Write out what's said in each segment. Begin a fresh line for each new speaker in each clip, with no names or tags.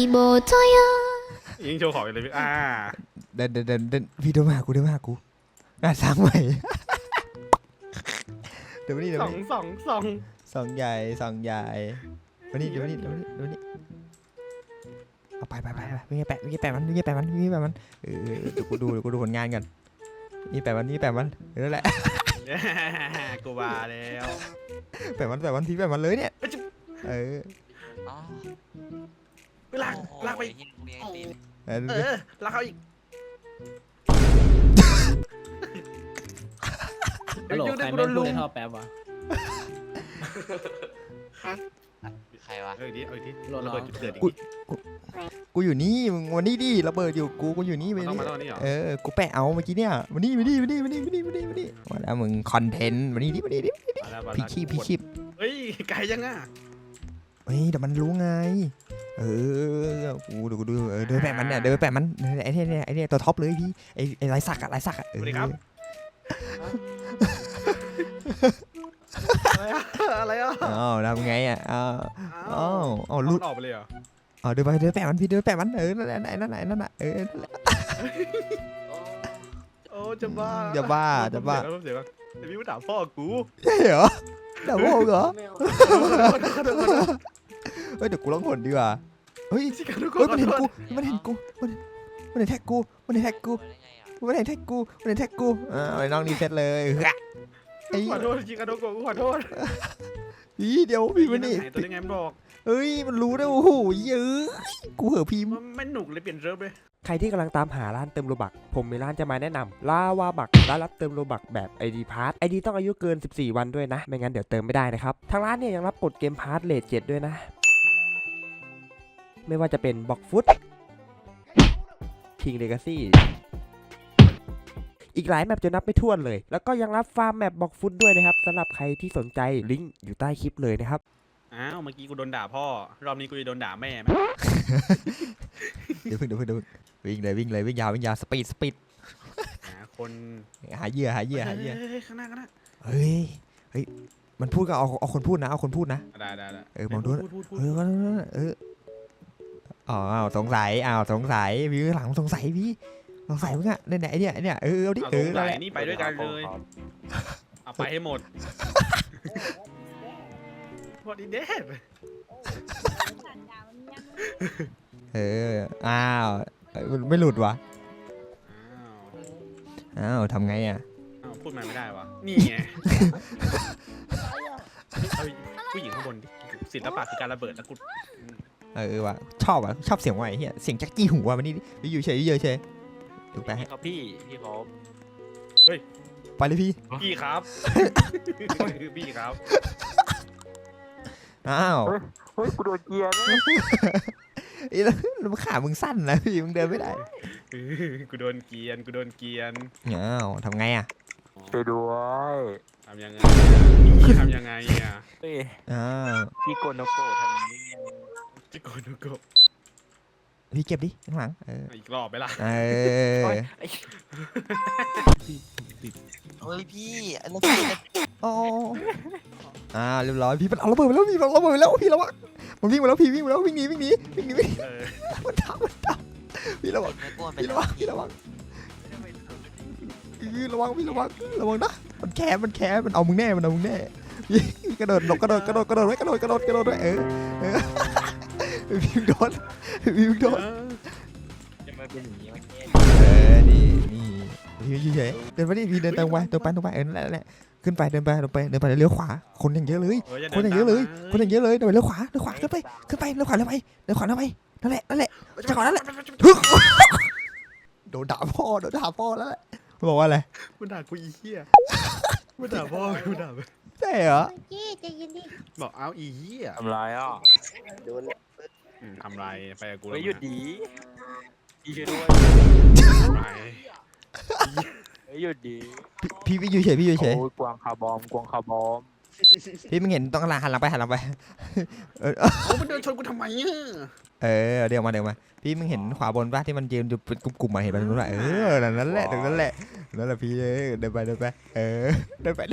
못 져요
ยิงโชว์ของเลยพี่
เดินพี่เดินมาหากูสร้างใหม่เดี๋ยวมานี่
สอง
สองใหญ่มานี่เดี๋ยวมานี่เอาไปไม่แปะมันเดี๋ยวกูดูผลงานกันนี่แปะมันนั่นแหละ
กูว่าแล้ว
แปะมันพี่แปะมันเลยเนี่ย
ลากไปลากเขาอีก
ฮัลโหลใครไม่พูดในท่อแป๊บวะ
ใครวะ
เอาอีกที
โหล
ระเบิดจุดเกิดอีก
กูอยู่นี่มึงวันนี้ดิระเบิดอยู่กูอยู่นี่ไป
ต้อง
นี่
มาตอนนี้เหรอ
กูแปะเอาเมื่อกี้เนี่ยมานี่มาแล้วมึงคอนเทนต์มานี่ดิพี่ชีพ
เฮ้ยไกลยังอ่ะ
เฮ้ยเดี๋ยวมันรู้ไงกูดูเดินแปะมันเนี่ยไอ้เนี่ยตัวท็อปเลยพี่ไอ้ไรสักอะ
สวัสดีครับอะไรอ่ะ
ทำไงอ่ะ
ลุดออกไปเลยเหรอ
เดินแปะมันพี่เดินแปะมันนั่นแหละนั่นแหละ
โอ้จะบ้า
เดี๋ยว
พี่มาด่าพ่อกู
ใช่เหรอด่าพ่อเหรอเฮ้ยเดี๋ยวกูร้องผลดีกว่าเฮ้ยมันเห็นกูมันเห็นแท็กกูไอ้น้องนี่เสร็จเลย
ขอโทษจริงขอโทษกูขอโทษ
พี่เดี๋ยวพี่มันนี่
ตัวยังไงมันบอก
เฮ้ยมันรู้นะโอ้โหเยอะกูเหอะพี่
มันไม่หนุกเลยเปลี่ยนเซิร์ฟเลย
ใครที่กำลังตามหาร้านเติมโลบักผมมีร้านจะมาแนะนำลาวาบักร้านรับเติมโลบักแบบ ID Pass ID ต้องอายุเกิน14วันด้วยนะไม่งั้นเดี๋ยวเติมไม่ได้นะครับทางร้านเนี่ยยังรับกดเกมพาร์ทเลท7ด้วยนะไม่ว่าจะเป็นบ็อกฟุต King Legacy อีกหลายแมปจะนับไม่ถ้วนเลยแล้วก็ยังรับฟาร์มแมปบ็อกฟุตด้วยนะครับสำหรับใครที่สนใจลิงก์อยู่ใต้คลิปเลยนะครับ
เมื่อกี้กูโดนด่าพ่อรอบนี้กูจะโดนด่าแม่ไหม
เดี๋ยววิ่งเลยวิ่งยาวสปีด
คน
หาเหยื่อ
ข้างหน้า
เฮ้ยมันพูดก็เอาคนพูดนะได้มองดูสงสัยพี่หลังสงสัยมึงอะไหนเนี่ยเอาดิ
นี่ไปด้วยกันเลยเอาไปให้หมดพอดีเด็ด
ไม่หลุดวะทำไงอ่ะ
พูดมาไม่ได้วะนี่ไงผู้หญิงข้างบนศิลปะคือการระเบิดแล้วกู
วะชอบเสียงไวเฮียเสียงจักกี้หูว่ะมันนี่ไปอยู่เฉยถูกไหม
ครับพี่ผม
เฮ้ย
ไปเลย
พี่ครับพี่ครับ
เฮ้ยกูโดนเกียร์
แล้วขามึงสั้นนะพี่มึงเดินไม่ได้
กูโดนเกียน
ทำไงอ่ะ
ไปด้วย
ทำยังไงอ่ะ
พี่โกโนโกะทำนี้
พี่โกโนโกะ
พี่เก็บดิข้างหลัง
อีกรอบไปละ
เฮ้ยพี่แล้วพี่
เรียบร้อยพี่มันเอาระเบิดไปแล้วพี่ระวังมันวิ่งมาแล้วพี่วิ่งหนีมันทำพี่ระวังระวังนะมันแคบมันเอามึงแน่พี่กระโดดไว้พี่โดน
จะมาเป็นอย่างนี้มัน
นี่พี่เฉยเดินไปดิพี่เดินตรงไปนั่นแหละขึ้นไปเดินไปเลี้ยวขวาคนอย่างเยอะเลยเดินไปเลี้ยวขวาขึ้นไปเลี้ยวขวาแล้วไปนั่นแหละจังหวะนั้นแหละโดนด่าพ่อแล้วแหละบอกว่าอะไร
มันด่ากูอีเหี้ยมันด่าพ่อกูด่า
ใช่เหรอ
บอกเอาอีเหี้ย
ทำไร
ทำไรไปกับกู
หยุดดีพี่ช่วยด้วยหยุดดี
พี่อยู่เฉย
กวางคาร์บอม
พี่มึงเห็นต้องหันหลังไป
มันเดินชนกูทำไม
เดี๋ยวมาพี่มึงเห็นขวาบนป่ะที่มันยืนอยู่เป็นกลุ่มๆมาเห็นป่ะนู้นป่ะนั่นแหละพี่เดินไป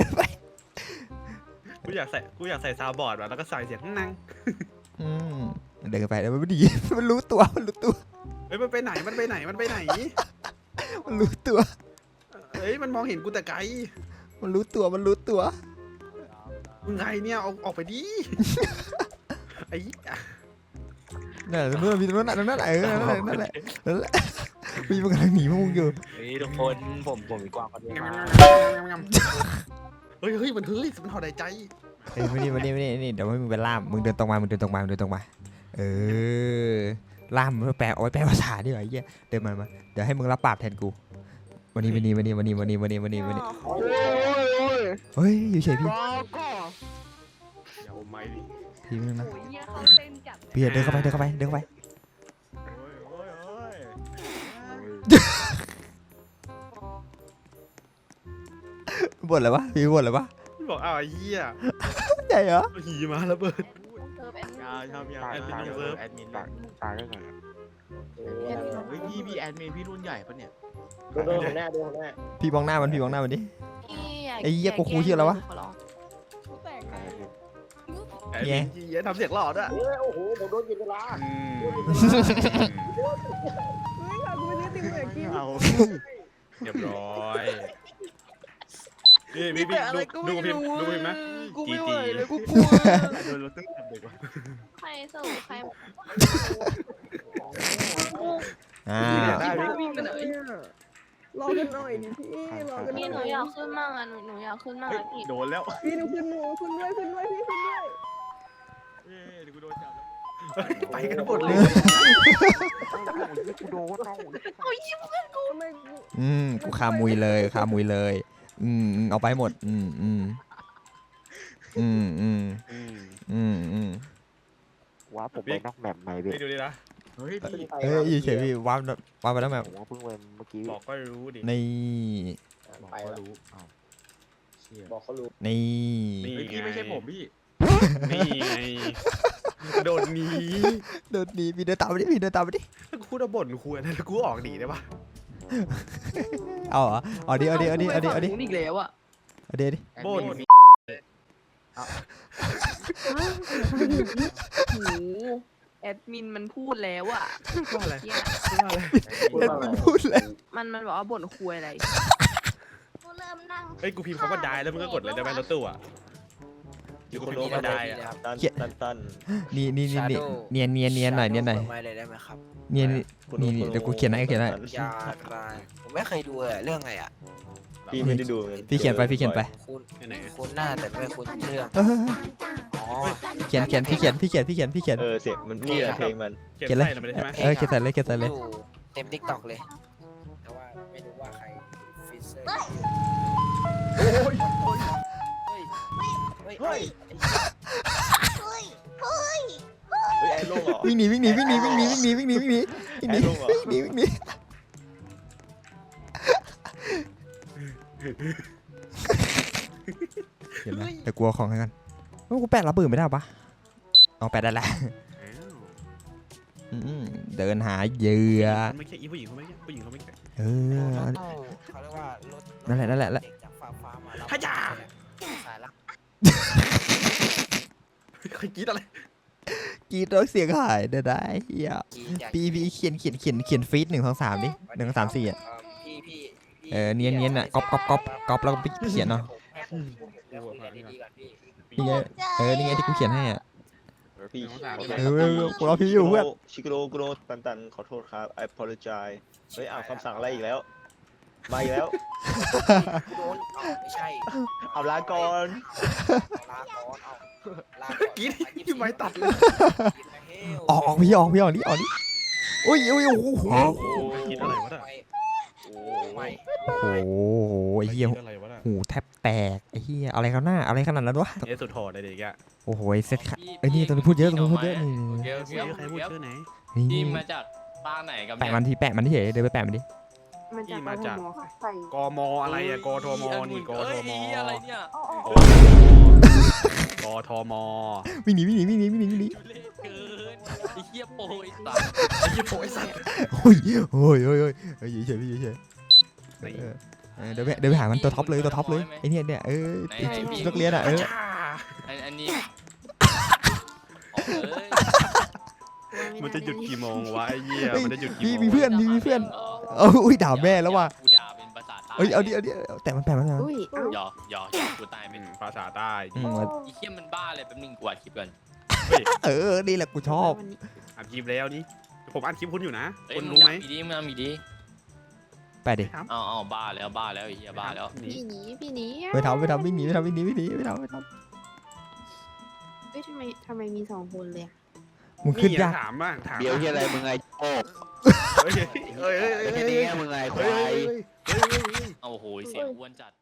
กูอยากใส่ซาวบอร์ดว่ะแล้วก็ใส่เสียงนั่ง
เดินไปแล้วมันไม่ดี มันรู้ตัว
เฮ้ยมันไปไหนมันไปไหน
มันรู้ตัว
เฮ้ยมันมองเห็นกูแต่ไกล
มันรู้ตัว
มึงใครเนี่ยออกไปดิไอ้
นั่นแหละนู่นมีตรงนั้นนั่นแหละนั่นแหละมีมันกำลังหนีพวกมึงอยู่
เฮ้ยทุกคนผมมีกวางคนเดียวมา
เฮ้ยมันถอดหายใจ
เอ้ยมานี่เดี๋ยวให้มึงไปล่ามมึงเดินตรงมาเออล่ามแปลเอาไว้แปลภาษาดีกว่าไอ้เหี้ยเดินมาเดี๋ยวให้มึงรับปากแทนกูวันนี้เฮ้ยอยู่เฉยพี่
อย่าอมไม่ดิ
พี่ไม่นะ
โอ้ยเหี้ยเขาเต้นจัด
พี่เดินเข้าไปบ่นอะไรวะพี่บ่นอะไรวะ
บอกอ้าวไอ้เหี้ย
ใหญ่เหรอ
หีมาแล้วเบิร์ด
เซิร์ฟแอนด์
ยาวแอดมิน
ตาย
เซิร์ฟ
แอดมินตายได้ไง
เฮ้ยพี่แอดมินพี่รุ่นใหญ่ปะเนี่ย
โดนหัวหน้า
พี่มองหน้ามันดิ
พี่
ไอ้เหี้ยกูครูชื่ออะไรวะ
ขอร้องแตกนะ
ไอ้เหี้ยทำเสียงหลอดอ่ะ
โอ้โหผมโดนกินเวลา
เฮ้ยค่ะกูไม่ได้ติ่งเหมือนกิน
เอาเรียบร้อยนี่มี
แต่อะไรก็
ดู
ไม่
พิม
รู้
พ์ดูพิมพ์ไหม
กูไม่ไหวเลยกูกลัว
โดนรถตึ้งทำเด็กว่ะ
ใครสู้ใคร
อ่า
วิ่งไปไหน
รอกันหน่อยดิพี่รอกันห
พี่หนู
น่อย
อยากขึ้นมากอ่ะหนูอยากขึ้นมากอะพี่
โดนแล้ว
พี่หนูขึ้นด้วยพี่ขึ้นด้วย
เดี๋ยวกูโดนจับแล้วไปกันหมดเลย
กูโดนเอา
โอ้ยยิ้มเพื่อนกู
ทำไมกู
กูคามุยเลยเอาไปหมด
ว้าผมไปนอกแมปใหม่เว้ย
พี่ดูดินะ
เฮ้ยพี่
เอ้ยอยู่เฉยพี่ว้าวไปแล้วแมว
ผมว่าเพิ่งเว้นเมื่อกี้
บอกก็รู้ดิ
นี่
ไปแล้วเชี่ย
บอกเขารู้
นี่
นี่
เฮ้ยพี่ไม่ใช่ผมพี่
นี่ไงโดนหนี
เดินหนีพี่เดินตามไปดิ
ถ้ากูจะบ่นคุยอะไรแล้วกูออกหนีได้ปะ
เอาเหรอเอาดิ
หนูอีกแล้วอ่ะ
เอาดิ
บ่น
โหแอดมินมันพูดแล้วอ่ะ
ว่าอะไร
เหี้ย
ว่าอะไร
เอ็ดมันพูดเลย
มันบอกว่าบ่นคุยอะไร
กูเริ่มนั่ง
เฮ้ยกูพิมพ์คำว่าได้แล้วมึงก็กดเลยได้ไหมรถตู้อ่ะอยู่กูพิมพ์คำว่าได้อ่ะ
ตัน
นี่เนียนหน่อยเนียนหน่อย
ไม่เลยได้ไหมครับ
นี่เดี๋ยวกูเขียนให้
ยากลายผมไม่เคยดูเลยเรื่องไงอ่ะ
พี่ไม่ได้ดู
พี่เขียนไป
คุณ
ไหน
คุณหน้าแต่ไม่คุณเรื่อง อ๋อ
เขียนพี่เขียน
เสียงมันนี่แหละเพลงมัน
เขียนไล่เราไปเลยใช่ไหม
เขียนใส่เลย
อยู่เต็มทิกตอกเลย แต่ว่าไม่รู้ว่าใครฟิเซอร์เฮ้ย
เฮ้ย เฮ้ย
เฮ้ยไอ้โล่งเหรอ
วิ่งหนีวิ่งหนี
ไอ้โล่งเหรอ
เขียนนะแต่กลัวของให้กันกูแปะรับปืนไม่ได้ปะเอาแปะได้แล้วเดินหาเหยื่อ
ไม่ใช่อีผู้หญิงเขาไม่ใช่ผู้หญิงเขาไม่ใช่
เออ
เขาเรียกว่ารถ
นั่นแหละ
เด็กจากฟ้ามา
ฮัจจา
สายลัก
ใครกรี๊ดอะไร
กีดร้องเสียงหายได้เฮีย
กีใหญ่
พี่เขียนฟีด1 2 3ดิ1 2 3 4อ่ะ
พี่
เนียนอ่ะก๊อปแล้วก็เขียนเนาะ
เดี๋ยวคุยกันดีๆก่อนพี่
นี่ไงนี่ไงที่กูเขียนให้อ่ะ
พี่
กูรอพี่อยู่เพื่อน
ชิโกโรตันขอโทษครับ I apologize เฮ้ยอ่านคำสั่งอะไรอีกแล้วมาอีกแล้ว
โดนไม่ใช่
เอาลาก่อน
ลาก่อนลา
กรี๊ดที่ไม้ตัดเลย
ออกพี่ออกดิโอ้ยโอ้โห
กรี๊ดอะไรวะน่ะ
ไม่
โอ้โหไอ้เหี้ย
กรี๊ดอะไรวะน่ะ
หูแทบแตกไอ้เหี้ยอะไรครับหน้าอะไรขนาดนั้นวะ
เอสุดโหดเลยเด็กอ่ะ
โอ้โหเซ็ตไอ้นี่ตรงนี้พูดเยอะนี่
ใครพูดชื่อไหน
นี่
พี่มาจากบ้านไหนกัน
แปะมันที่เฉยเดินไปแปะมันดิ
มันจะ
ที่มาจาก
ใส่
กมอะไรอ่ะกทมนี่กทม
อะไรเนี่ย
กทม
วิ่งหนี
ทุเรศเกินไอ้เหี้ยโปรยตัด
ไอ้ยี่โผล่ไอ้สัตว์
โอ้ยอยู่เฉยพี่อยู่เฉยเดินไปหามันตัวท็อปเลยไอ้เนี่ยนักเรียนอ่ะ
อันนี้ออกเลย
มันจะหยุดกี่โมงวะไอ้เหี้ยมันจะหยุดกี่
พี่
โมง
มีเพื่อนมีเพื่อนเอาอุ้ยด่าแม่แล้วว่ะ
กูด่าเป็นภาษาใต้
เอ้ยเอาดิแต่มัน
อุ้ยเอ้า
หยอกกูตายเป็น
ภาษาใต้
อืม
ไอ้เหี้ยมันบ้าเลยแป๊บนึงกูอัดคลิปก่อน
นี่แหละกูชอบ
วันนี้
อัดคลิปแล้วนี่ผมอัดคลิปคุณอยู่นะ
เอ้ย
คุณ
มึง
รู้ไหม
ทำดีมึงทำดี
ไปดิ
เอาบ้าแล้วไอ้เหี้ยบ้าแล้ว
นี่
พี่หนี
ไม่ทำวิ่งหนีไม่ทำ
เฮ้ยทำไมมี2 คนเลยอะ
มึงขึ้น
นี่
ยาก
ถามบ้างถาม
เดี๋ยวที่อะไรมึงไงโอ้
เฮ้ย
เดี๋ยวที่นี่มึงไงควาย
เอาโหยเสียงอ้วนจัด